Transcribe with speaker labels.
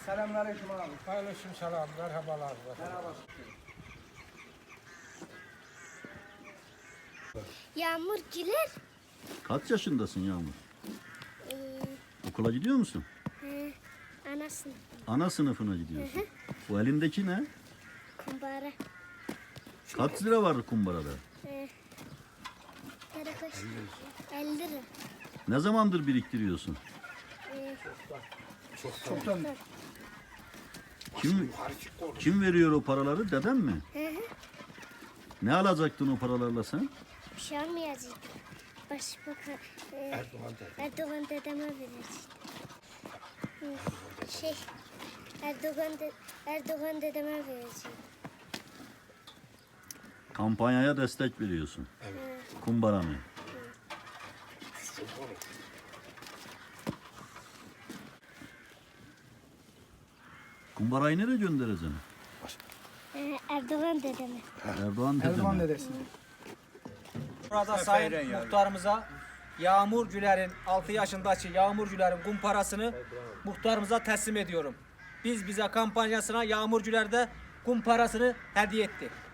Speaker 1: Selamünaleyküm abi.
Speaker 2: Aleyküm selam, merhabalar.
Speaker 1: Merhaba.
Speaker 3: Yağmur Güler.
Speaker 4: Kaç yaşındasın Yağmur?
Speaker 3: Ee,
Speaker 4: Okula gidiyor musun?
Speaker 3: Anasını.
Speaker 4: Ana sınıfına gidiyorsun. Bu elindeki ne?
Speaker 3: Kumbara.
Speaker 4: Kaç lira var kumbarada?
Speaker 3: Karakoş. 50 lira.
Speaker 4: Ne zamandır biriktiriyorsun?
Speaker 1: Çoktan.
Speaker 4: Kim veriyor o paraları? Deden mi? Ne alacaktın o paralarla sen?
Speaker 3: Bir şey olmayacak. Başbakan Erdoğan dedeme verecek. Erdoğan dedeme verecek.
Speaker 4: Kampanyaya destek veriyorsun. Kumbara mı? Kumbarayı nereye göndereceksin?
Speaker 3: Erdoğan dedeme.
Speaker 4: Erdoğan dede
Speaker 1: Erdoğan
Speaker 4: mi?
Speaker 1: dedesi.
Speaker 5: Burada Sayın Muhtarımıza Yağmur Güler'in 6 yaşındaki Yağmur Güler'in kumparasını muhtarımıza teslim ediyorum. Bize kampanyasına Yağmur Güler de kumparasını hediye etti.